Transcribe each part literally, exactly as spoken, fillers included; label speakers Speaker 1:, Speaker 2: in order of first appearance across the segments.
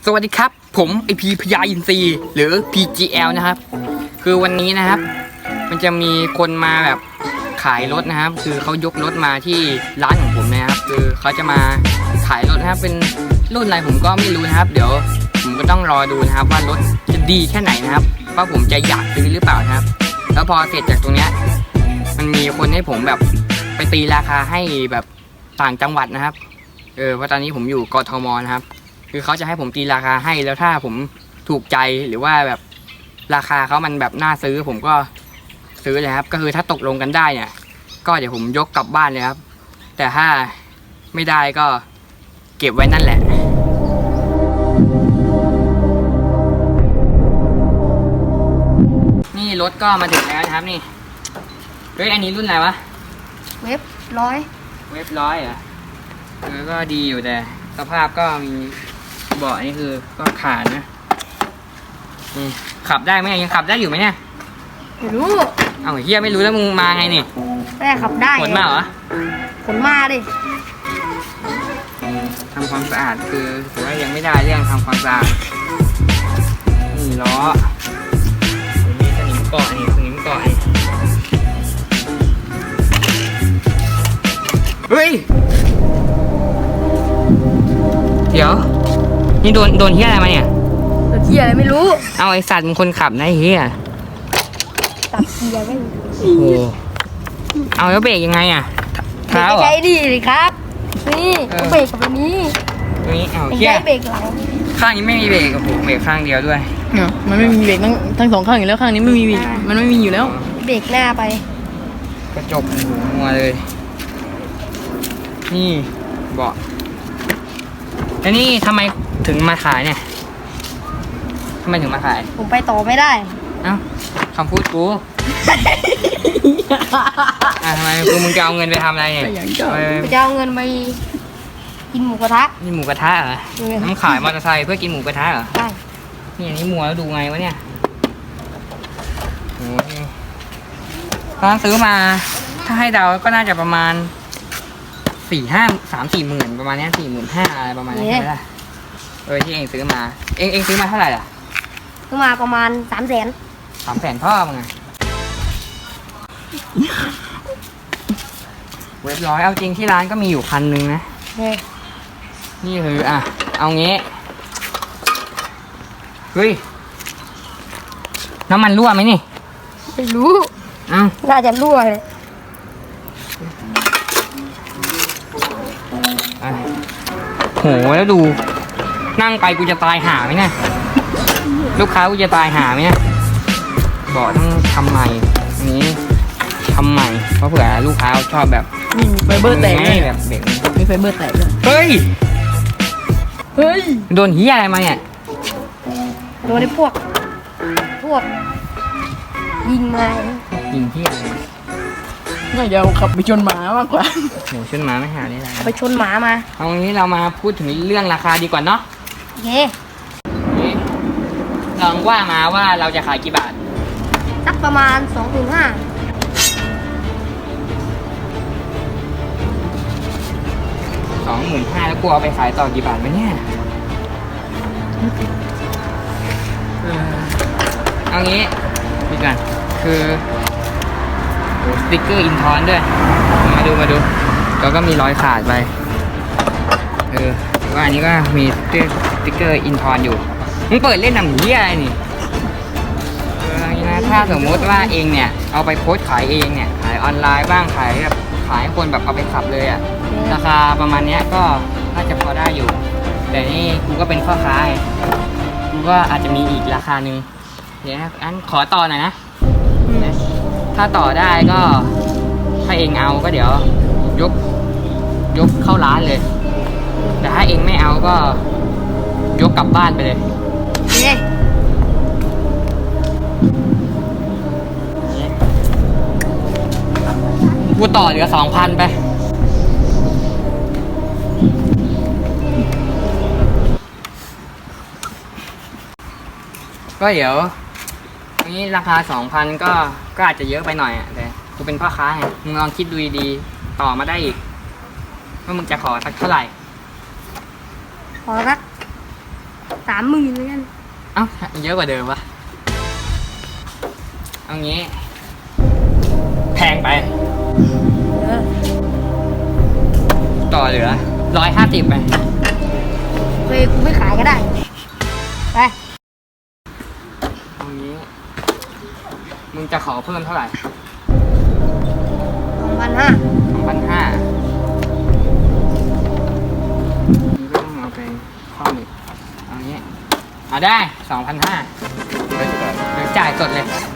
Speaker 1: สวัสดีครับผมไอพีพญาอินทรีหรือ พี จี แอล นะครับคือวันนี้นะครับมันจะมีคนมาแบบขายรถนะครับ คือเขายกรถมาที่ร้านของผมนะครับคือเขาจะมาขายรถนะครับเป็นรุ่นอะไรผมก็ไม่รู้นะครับเดี๋ยวผมก็ต้องรอดูนะครับว่ารถจะดีแค่ไหนนะครับว่าผมจะอยากซื้อหรือเปล่านะครับแล้วพอเสร็จจากตรงเนี้ยมันมีคนให้ผมแบบไปตีราคาให้แบบต่างจังหวัดนะครับเออเพราะตอนนี้ผมอยู่กทมนะครับคือเขาจะให้ผมตีราคาให้แล้วถ้าผมถูกใจหรือว่าแบบราคาเขามันแบบน่าซื้อผมก็ซื้อเลยครับก็คือถ้าตกลงกันได้เนี่ยก็เดี๋ยวผมยกกลับบ้านเลยครับแต่ถ้าไม่ได้ก็เก็บไว้นั่นแหละนี่รถก็มาถึงแล้วนะครับนี่เฮ้ยอันนี้รุ่นอะไรวะ
Speaker 2: เว็บร้อย
Speaker 1: เว็บร้อยเหรอเออก็ดีอยู่แต่สภาพก็มีเบาะนี่คือก็ขาดนะนี่ขับได้ไหมยังขับได้อยู่ไหมเนี่ย
Speaker 2: ไม่รู้
Speaker 1: เอ้าเฮียไม่รู้แล้วมึงมาไงนี่
Speaker 2: ไม่ได้ขับได้
Speaker 1: ขนมาเหรอ
Speaker 2: ขนมาดิ
Speaker 1: ทำความสะอาดคือถือว่ายังไม่ได้เรื่องทำความสะอาดนี่ล้อมีสนิมเกาะนี่สนิมเกาะนี่เฮ้ยเดี๋ยวนี่โดนโดนเฮียอะไรมาเนี่ย
Speaker 2: โดนเฮียอะไรไม่รู้
Speaker 1: เอาไอสัตว์มึงคนขับนะเฮีย
Speaker 2: ตัดเกียร์ไม่รู้
Speaker 1: โอ้เอาแล้วเบรกยังไงอ่ะ
Speaker 2: เท้าใช้ดีเลยครับนี่เบรกกับอันนี้
Speaker 1: ตัวนี้เอาเฮีย
Speaker 2: เบรกหลัง
Speaker 1: ข้างนี้ไม่มีเบรกโอ้โหเบรกข้างเดียวด้วย
Speaker 3: เนาะมันไม่มีเบรกทั้งทั้งสองข้างอยู่แล้วข้างนี้ไม่มีมันไม่มีอยู่แล้ว
Speaker 2: เบรกหน้าไป
Speaker 1: กระจกหูมัวเลยนี่เบาะแล้วนี่ทำไมถึงมาขายเนี่ยทำไมถึงมาขาย
Speaker 2: ผมไปต่อไม่ได้
Speaker 1: เอ้าคำพูดกูอ่ะทำไมกูมึงจะเอาเงินไปทำอะไรเนี่ย
Speaker 2: จะเอาเงินไปกินหมูกระทะ
Speaker 1: นี่หมูกระทะเหรอน้ำขายมอเตอร์ไซค์เพื่อกินหมูกระทะเหรอ
Speaker 2: ใช่
Speaker 1: นี่อันนี้มัวแล้วดูไงวะเนี่ยโอ้ยตอนซื้อมาถ้าให้เดาก็น่าจะประมาณสี่ห้าสามสี่หมื่นประมาณนี้สี่หมื่นห้าอะไรประมาณนี้ใช่ไหมล่ะเออที่เองซื้อมาเองเองซื้อมาเท่าไหร่ล่ะ
Speaker 2: ซื้อมาประมาณสามแสน
Speaker 1: สามแสนพ่อมึงไงเว็บร้อยเอาจริงที่ร้านก็มีอยู่คันนึงนะนี่คืออ่ะเอางี้เฮ้ยน้ำมันรั่วไหมนี่
Speaker 2: ไม่รู้
Speaker 1: อ้าว
Speaker 2: น่าจะรั่วเลย
Speaker 1: โหแล้วดูนั่งไปกูจะตายหาไหมเนี่ยลูกค้ากูจะตายหาไหมเนี่ยบอกต้องทำใหม่นี้ทำใหม่เพราะเผื่อลูกค้าชอบแบบ
Speaker 3: มีไฟเบอร์แตก
Speaker 1: แบบเบรก
Speaker 3: มีไฟเบอร์แตกด้วย
Speaker 1: เฮ้ย
Speaker 3: เฮ้ย
Speaker 1: โดนเหี้ยอะไรมาเนี่ย
Speaker 2: โดนไอ้พวกพวกยิงมา
Speaker 1: ยิงเหี้ยอะไร
Speaker 3: น่าจะขับไปชนหมามากกว่า
Speaker 1: โหชนหมาไม่หาได้แล้ว
Speaker 2: ไปชนหมามา
Speaker 1: เอางี้เรามาพูดถึงเรื่องราคาดีกว่าเนาะ
Speaker 2: โอเค
Speaker 1: ลองว่ามาว่าเราจะขายกี่บาท
Speaker 2: สักประมาณสองถึงห้า
Speaker 1: สองหมื่นห้าแล้วกูเอาไปขายต่อกี่บาทไหมเนี่ยเอางี้ดีกันคือสติ๊กเกอร์อินทอนด้วยมาดูมาดูแล้วก็มีรอยขาดไปเออว่าอันนี้ก็มีสติ๊กเกอร์อินทอนอยู่มึงเปิดเล่นหนังผีอะไรนี่เอออย่างนี้นะถ้าสมมติว่าเองเนี่ยเอาไปโพสขายเองเนี่ยขายออนไลน์บ้างขายแบบขายคนแบบเอาไปขับเลยอะราคาประมาณนี้ก็น่าจะพอได้อยู่แต่นี่กูก็เป็นพ่อค้ากูก็อาจจะมีอีกราคาหนึ่งเดี๋ยวอันขอต่อหน่อยนะถ้าต่อได้ก็ถ้าเองเอาก็เดี๋ยวยกยกเข้าร้านเลยแต่ถ้าเองไม่เอาก็ยกกลับบ้านไปเลยกูต่อเหลือสองพันไปก็เดี๋ยวอันนี้ราคาสองพันก็ก็อาจจะเยอะไปหน่อยอ่ะแต่กูเป็นพ่อค้าไงมึงลองคิดดูดีๆต่อมาได้อีกว่ามึงจะขอสักเท่าไหร่
Speaker 2: ขอสักสามหมื่นเลยกัน
Speaker 1: เอ้าเยอะกว่าเดิมปะเอางี้ แพงไป
Speaker 2: เออ
Speaker 1: ต่อเหลือร้อยห้าสิบไป
Speaker 2: เคยกูไม่ขายก็ได้ไป
Speaker 1: เอางี้ มึงจะขอเพิ่มเท่าไหร่
Speaker 2: สองพันห้า
Speaker 1: สองพันห้ามึงก็ต้องเอาไปข้อหนึ่งเอางี้เอาได้สองพันห้าเดี๋ยวจ่ายสดเลย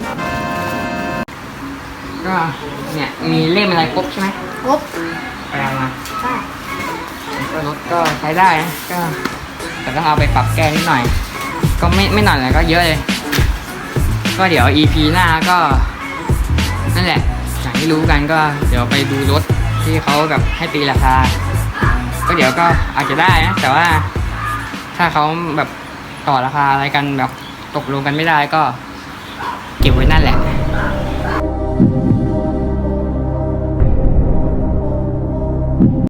Speaker 1: ก็เนี่ยมีเล่มอะไรครบใช่ไหม
Speaker 2: ครบ
Speaker 1: ไปเอามา
Speaker 2: ใช่
Speaker 1: ก็รถก็ใช้ได้นะก็แต่ต้องเอาไปปรับแก้นิดหน่อย ก็ไม่ไม่หน่อยเลยก็เยอะเลย ก็เดี๋ยว อี พี หน้าก็นั่นแหละอย่างที่รู้กันก็เดี๋ยวไปดูรถที่เขาแบบให้ตีราคา ก็เดี๋ยวก็อาจจะได้นะแต่ว่าถ้าเขาแบบต่อราคาอะไรกันแบบตกลงกันไม่ได้ก็เก็บไว้นั่นแหละ